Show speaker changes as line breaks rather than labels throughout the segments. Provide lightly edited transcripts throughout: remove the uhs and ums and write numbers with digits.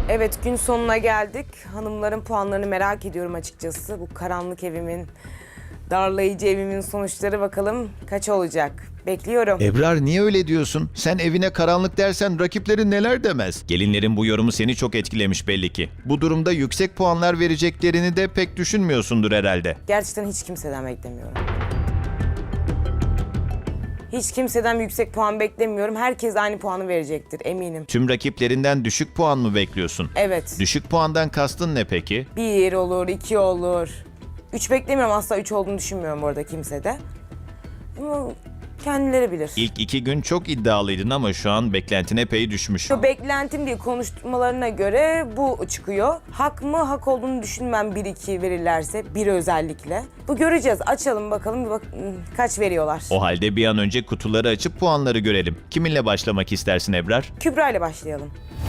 Evet, gün sonuna geldik. Hanımların puanlarını merak ediyorum açıkçası. Bu karanlık evimin, darlayıcı evimin sonuçları bakalım kaç olacak? Bekliyorum.
Ebrar niye öyle diyorsun? Sen evine karanlık dersen rakiplerin neler demez? Gelinlerin bu yorumu seni çok etkilemiş belli ki. Bu durumda yüksek puanlar vereceklerini de pek düşünmüyorsundur herhalde.
Gerçekten hiç kimseden beklemiyorum. Hiç kimseden yüksek puan beklemiyorum. Herkes aynı puanı verecektir eminim.
Tüm rakiplerinden düşük puan mı bekliyorsun?
Evet.
Düşük puandan kastın ne peki?
1 olur, 2 olur. 3 beklemiyorum, asla 3 olduğunu düşünmüyorum bu arada kimsede. Ama kendileri bilir.
İlk 2 gün çok iddialıydın ama şu an beklentin epey düşmüş.
Beklentim değil, konuşmalarına göre bu çıkıyor. Hak mı? Hak olduğunu düşünmem 1-2 verirlerse, 1 özellikle. Bu göreceğiz. Açalım bakalım kaç veriyorlar.
O halde bir an önce kutuları açıp puanları görelim. Kiminle başlamak istersin Ebrar?
Kübra ile başlayalım.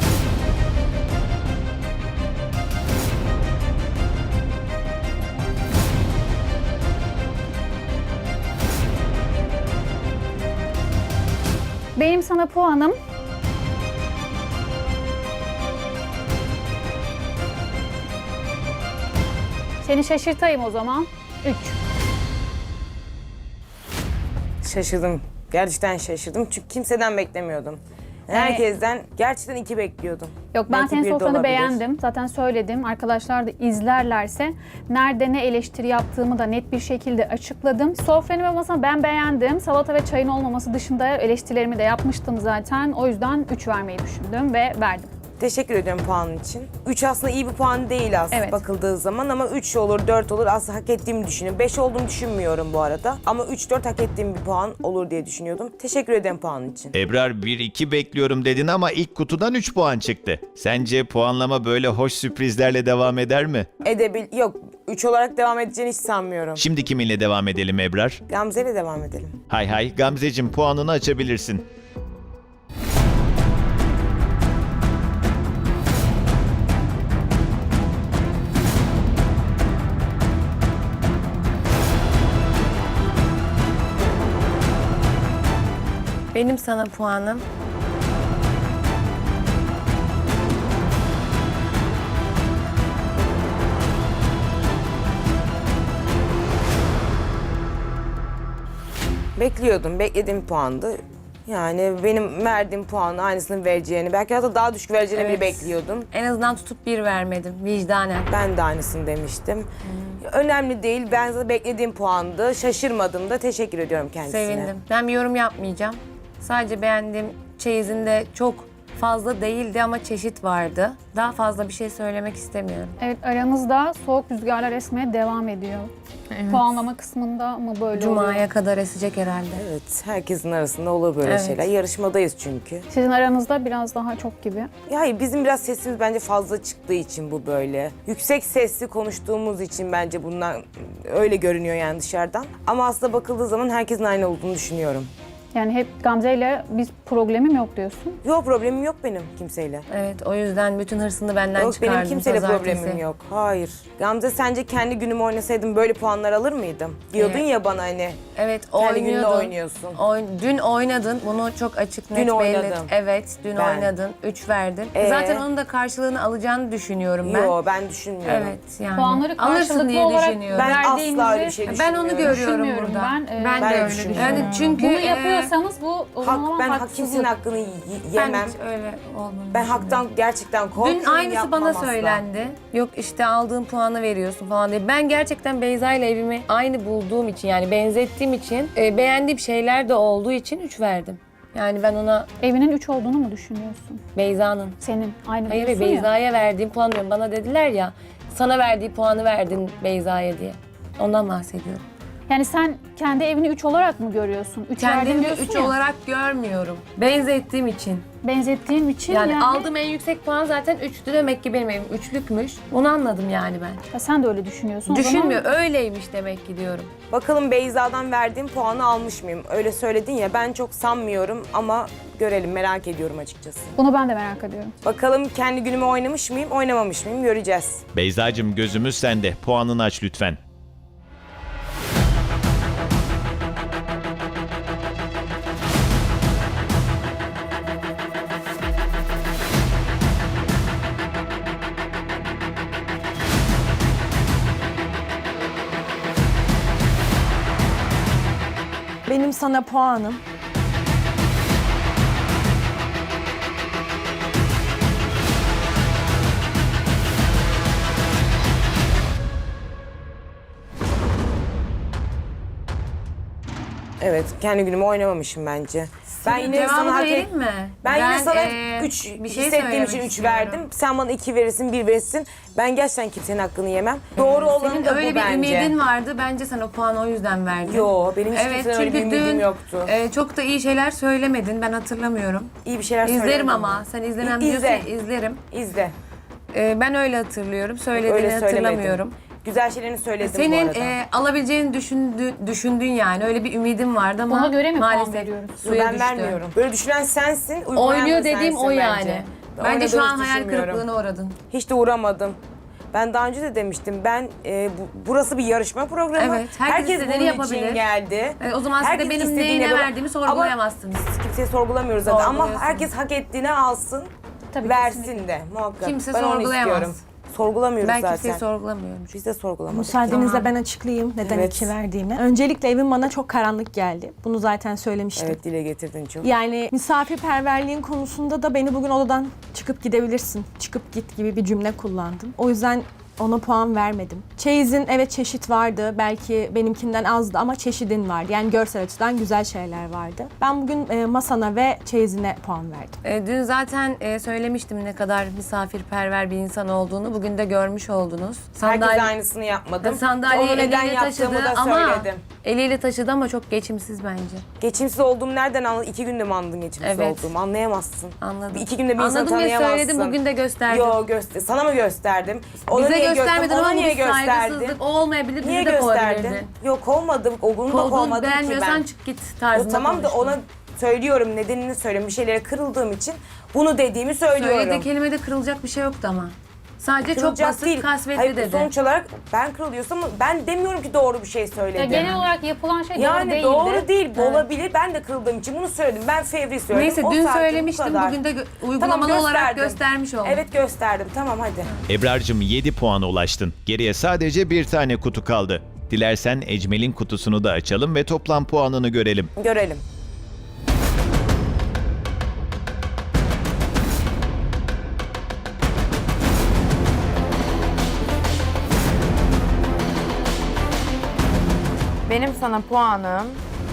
Benim sana puanım seni şaşırtayım o zaman. 3.
Şaşırdım. Gerçekten şaşırdım çünkü kimseden beklemiyordum. Herkesten gerçekten 2 bekliyordum.
Yok, ben
Belki
senin
bir de
sofranı
olabilir.
beğendim. Zaten söyledim. Arkadaşlar da izlerlerse nerede ne eleştiri yaptığımı da net bir şekilde açıkladım. Sofranı ve masanı ben beğendim. Salata ve çayın olmaması dışında eleştirilerimi de yapmıştım zaten. O yüzden 3 vermeyi düşündüm ve verdim.
Teşekkür ediyorum puanın için. 3 aslında iyi bir puan değil aslında
Evet.
bakıldığı zaman ama 3 olur, 4 olur aslında hak ettiğimi düşünüyorum. 5 olduğunu düşünmüyorum bu arada ama 3-4 hak ettiğim bir puan olur diye düşünüyordum. Teşekkür ederim puanın için.
Ebrar 1-2 bekliyorum dedin ama ilk kutudan 3 puan çıktı. Sence puanlama böyle hoş sürprizlerle devam eder mi?
Yok, 3 olarak devam edeceğini hiç sanmıyorum.
Şimdi kiminle devam edelim Ebrar?
Gamze ile devam edelim.
Hay hay Gamzeciğim puanını açabilirsin.
Benim sana puanım
Bekliyordum, beklediğim puandı. Yani benim verdiğim puanı aynısını vereceğini, belki hatta daha düşük vereceğini bile
Evet.
bekliyordum.
en azından tutup 1 vermedim vicdanen.
Ben de aynısını demiştim. Önemli değil, ben zaten beklediğim puandı. Şaşırmadım da, teşekkür ediyorum kendisine.
Sevindim. Ben bir yorum yapmayacağım. Sadece beğendiğim çeyizinde çok fazla değildi ama çeşit vardı. Daha fazla bir şey söylemek istemiyorum.
Evet, aranızda soğuk rüzgarlar esmeye devam ediyor. Puanlama kısmında mı böyle oluyor?
Cuma'ya kadar esecek herhalde.
Evet, herkesin arasında olur böyle
Evet.
şeyler. Yarışmadayız çünkü.
Sizin aranızda biraz daha çok gibi.
Ya hayır, bizim biraz sesimiz bence fazla çıktığı için bu böyle. Yüksek sesli konuştuğumuz için bence bundan öyle görünüyor yani dışarıdan. Ama aslında bakıldığı zaman herkesin aynı olduğunu düşünüyorum.
Yani hep Gamze ile bir problemim yok diyorsun.
Yok, problemim yok benim kimseyle.
Evet, o yüzden bütün hırsını benden
Yok,
çıkardım.
benim kimseyle
pazartesi.
problemim yok. Hayır. Gamze, sence kendi günümü oynasaydım böyle puanlar alır mıydım? Diyordun
Evet.
ya bana hani.
Evet,
Kendi gününde
oynuyordun.
oynuyorsun.
Dün oynadın. Bunu çok açık net
Dün
belli.
oynadım.
Evet, dün
Ben.
oynadın. 3 verdin.
Ee?
Zaten onun da karşılığını alacağını düşünüyorum ben.
Yok, ben düşünmüyorum.
Evet, yani.
Puanları
Alırsın
karşılıklı
diye
olarak
düşünüyorum.
Ben asla
verdiğinizi
öyle bir şey
Ben
düşünmüyorum.
onu görüyorum
düşünmüyorum
burada.
ben.
Ben
Ben
de
de
öyle
düşünmüyorum.
düşünüyorum. Çünkü
Bunu yapıyorsanız bu o zaman
Ben
haksızlık.
kimsenin hakkını
ben
yemem.
hiç öyle olduğunu
Ben
düşünmüyorum.
haktan gerçekten korkuyorum.
Dün aynısı
yapmam
bana
asla.
söylendi. Yok işte aldığın puanı veriyorsun falan diye. Ben gerçekten Beyza ile evimi aynı bulduğum için, yani benzettiğim için, beğendiğim şeyler de olduğu için 3 verdim. Yani ben ona
Evinin 3 olduğunu mu düşünüyorsun?
Beyza'nın.
Senin aynı
Hayır,
diyorsun ya.
Beyza'ya verdiğim puan diyorum. Bana dediler ya, sana verdiği puanı verdin Beyza'ya diye. Ondan bahsediyorum.
Yani sen kendi evini 3 olarak mı görüyorsun? 3
Kendimi 3 olarak görmüyorum. Benzettiğim için.
benzettiğim için
Yani, aldığım en yüksek puan zaten 3'tü, demek ki benim evim 3'lükmüş. Onu anladım yani ben.
Ha, sen de öyle düşünüyorsun. O
Düşünmüyor,
zaman
öyleymiş demek ki diyorum.
Bakalım Beyza'dan verdiğim puanı almış mıyım? Öyle söyledin ya, ben çok sanmıyorum ama görelim, merak ediyorum açıkçası.
bunu ben de merak ediyorum.
Bakalım kendi günümü oynamış mıyım, oynamamış mıyım göreceğiz.
Beyzacığım gözümüz sende. Puanını aç lütfen.
Benim sana puanım.
Evet, kendi günümü oynamamışım bence. Ben yine
Cevabı
sana
da
hak
vereyim mi?
Ben yine sana
e,
3
bir şey
hissettiğim için
söylemek
3
istiyorum.
verdim. Sen bana 2 verirsin, 1 verirsin. Ben gerçekten kimsenin hakkını yemem. Doğru olan
Senin
da
öyle
bu
bir
bence.
ümidin vardı. Bence sen o puanı o yüzden verdin.
Yo, benim hiç
Evet,
kimseden öyle bir
çünkü
ümidim
dün
yoktu.
çok da iyi şeyler söylemedin. Ben hatırlamıyorum.
İyi bir şeyler
İzlerim
söylemedim
ama.
ben.
Sen izlemem
İzle.
diyorsun ya, izlerim.
İzle.
Ben öyle hatırlıyorum. Söylediğini
Öyle söylemedim.
hatırlamıyorum.
Güzel şeylerini söyledim bu
Senin
arada.
alabileceğini düşündün yani. Öyle bir ümidin vardı ama
Ona göre mi puan
maalesef
veriyoruz?
suya
Ben
düştü.
vermiyorum. Böyle düşünen sensin, uygulayan
Oynuyor
da
dediğim
sensin
o
bence.
yani.
Ben
Bence şu
oynadığını
an
hiç
hayal
düşünmüyorum.
kırıklığına uğradın.
Hiç de uğramadım. Ben daha önce de demiştim. Burası bir yarışma programı.
Evet, herkes istediğini
bunun
yapabilir.
için geldi.
O zaman siz de
Herkes
benim
istediğini
neyine
yapar.
verdiğimi sorgulayamazsınız.
Ama biz kimseyi sorgulamıyoruz zaten. Ama
Sorguluyorsunuz.
herkes hak ettiğini alsın,
Tabii,
versin
kesinlikle.
de muhakkak.
Kimse
Ben onu
sorgulayamaz.
istiyorum. Sorgulamıyoruz
Ben
zaten.
kimseyi sorgulamıyorum.
Biz de sorgulamadık.
Müsaadenizle
Tamam.
ben açıklayayım neden
Evet.
2 verdiğimi. Öncelikle evim bana çok karanlık geldi. Bunu zaten söylemiştim.
Evet, dile getirdin çok.
Yani misafirperverliğin konusunda da beni bugün odadan çıkıp gidebilirsin, çıkıp git gibi bir cümle kullandın. O yüzden ona puan vermedim. Çeyizin evet çeşit vardı. Belki benimkinden azdı ama çeşidin vardı. Yani görsel açıdan güzel şeyler vardı. Ben bugün masana ve çeyizine puan verdim.
Dün zaten söylemiştim ne kadar misafirperver bir insan olduğunu. Bugün de görmüş oldunuz.
Herkes aynısını yapmadım.
Sandalyeyi
Onu neden
eliyle
yaptığımı
taşıdı
da
ama
söyledim.
eliyle taşıdı ama çok geçimsiz bence.
Geçimsiz olduğumu nereden anladın? 2 günde mi anladın geçimsiz
Evet.
olduğumu? Anlayamazsın.
Anladım.
2 günde bir insanı
Anladım ve
tanıyamazsın.
söyledim, bugün de gösterdim.
Yo, sana mı gösterdim? Ona
Bize
niye
göstermedin
ona
ama bu
niye
bir
gösterdin?
saygısızlık. O olmayabilir,
Niye
bizi de
gösterdin?
kovabilirdin.
Yok, kovmadım. Onu da
Kovduğunu
kovmadım ki
beğenmiyorsan
ben.
çık git tarzında
Tamam da
konuştun.
ona söylüyorum, nedenini söylüyorum. Bir şeylere kırıldığım için bunu dediğimi söylüyorum.
Söylediği kelimede kırılacak bir şey yoktu ama. Sadece çok
Kırılacak
basit,
değil.
kasvetli
Hayır,
dedi.
sonuç olarak ben kırılıyorsam ben demiyorum ki doğru bir şey söyledim.
Ya genel olarak yapılan şey
Yani
doğru değildi.
doğru değil, olabilir. Ben de kırıldığım için bunu söyledim. Ben fevri söyledim.
Neyse
O
dün
sadece bu
söylemiştim,
kadar.
bugün de uygulamalı
Tamam,
olarak
gösterdim.
göstermiş oldum.
Evet, gösterdim. Tamam, hadi.
Ebrar'cığım 7 puana ulaştın. Geriye sadece bir tane kutu kaldı. Dilersen Ecmel'in kutusunu da açalım ve toplam puanını görelim.
Görelim.
Benim sana puanım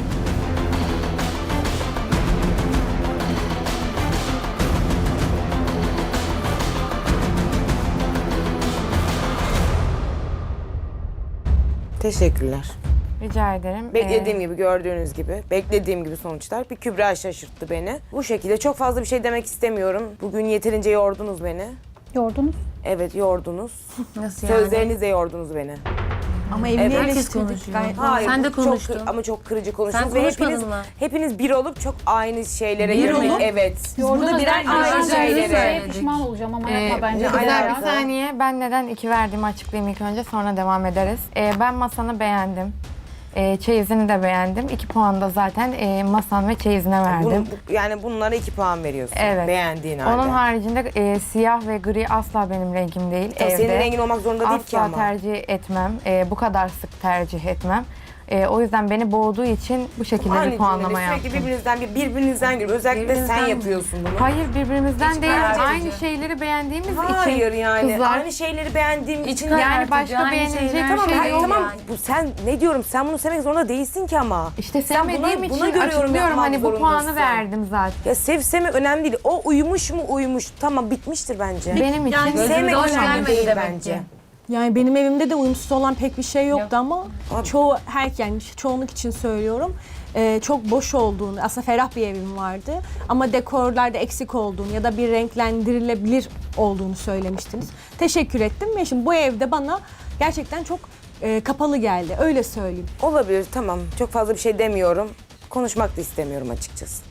Teşekkürler.
rica ederim.
Beklediğim gibi, gördüğünüz gibi. Beklediğim gibi sonuçlar. Bir Kübra şaşırttı beni. Bu şekilde çok fazla bir şey demek istemiyorum. Bugün yeterince yordunuz beni.
Yordunuz.
Evet, yordunuz.
Nasıl yani?
Sözlerinizle yordunuz beni.
Ama evini
Evet,
herkes
eleştirdik
konuşuyor.
gayet.
Hayır,
Sen de
bu çok
konuştun.
ama çok kırıcı konuştunuz.
Sen
Ve
konuşmadın
hepiniz,
mı?
hepiniz bir olup çok aynı şeylere
Bir
yönelik.
olup?
Evet.
Yordunuz
birer
derken
aynı
ben
şeyleri
şeye
söyledik.
pişman olacağım ama yapma bence.
ne
Güzel
alaka?
bir saniye. Ben neden 2 verdiğimi açıklayayım ilk önce, sonra devam ederiz. Ben masanı beğendim. Çeyizini de beğendim. 2 puan da zaten masan ve çeyizine verdim.
Yani bunlara 2 puan veriyorsun.
Evet.
Beğendiğin halde.
Onun haricinde siyah ve gri asla benim rengim değil.
Tabii senin rengin olmak zorunda değil ki
asla
ama.
tercih etmem. Bu kadar sık tercih etmem. O yüzden beni boğduğu için bu şekilde
Aynı
bir puanlama
cümlede
yaptım.
sürekli birbirinizden gülüyor. Özellikle
Birbirinizden
sen
mi?
yapıyorsun bunu.
Hayır, birbirimizden değil.
karartıcı.
Aynı şeyleri beğendiğimiz için.
Hayır yani.
Kızlar,
Aynı şeyleri beğendiğim için.
yani başka
Aynı
beğenilecek
şeyler.
bir
Tamam,
şey
hayır,
yok.
tamam.
yani.
Bu sen ne diyorum? Sen bunu sevmek zorunda değilsin ki ama.
İşte
Sen
sevmediğim
buna
için
göre yorum
açıklıyorum,
yapmak
hani bu puanı
zorundasın.
verdim zaten.
Ya sevme önemli değil. O uyumuş mu uyumuş. Tamam, bitmiştir bence.
Benim için
Yani
Gözümüze
sevmek
hoş
önemli
gelmedi
değil
demek
bence.
ki.
Yani benim evimde de uyumsuz olan pek bir şey yoktu ama
Abi.
çoğunluk için söylüyorum. Çok boş olduğunu, aslında ferah bir evim vardı ama dekorlarda eksik olduğunu ya da bir renklendirilebilir olduğunu söylemiştiniz. Teşekkür ettim ve şimdi bu evde bana gerçekten çok kapalı geldi, öyle söyleyeyim.
Olabilir, tamam. Çok fazla bir şey demiyorum. Konuşmak da istemiyorum açıkçası.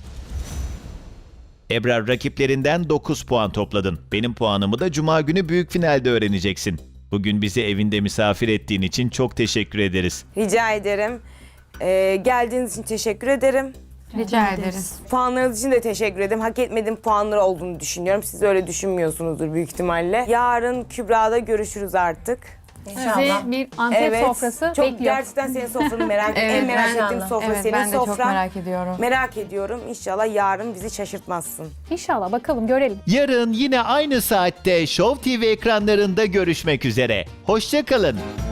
Ebrar, rakiplerinden 9 puan topladın. Benim puanımı da Cuma günü büyük finalde öğreneceksin. Bugün bizi evinde misafir ettiğin için çok teşekkür ederiz.
Rica ederim. Geldiğiniz için teşekkür ederim.
rica ederiz.
Puanlarınız için de teşekkür ederim. Hak etmediğim puanları olduğunu düşünüyorum. Siz öyle düşünmüyorsunuzdur büyük ihtimalle. Yarın Kübra'da görüşürüz artık.
Sizi bir Antep sofrası
çok
bekliyor.
gerçekten senin sofranı merak ediyorum. En
Evet,
merak
inşallah.
ettiğim sofra
Evet,
senin
ben de çok
sofran.
merak ediyorum.
Merak ediyorum. İnşallah yarın bizi şaşırtmazsın.
İnşallah bakalım görelim.
Yarın yine aynı saatte Show TV ekranlarında görüşmek üzere. Hoşça kalın.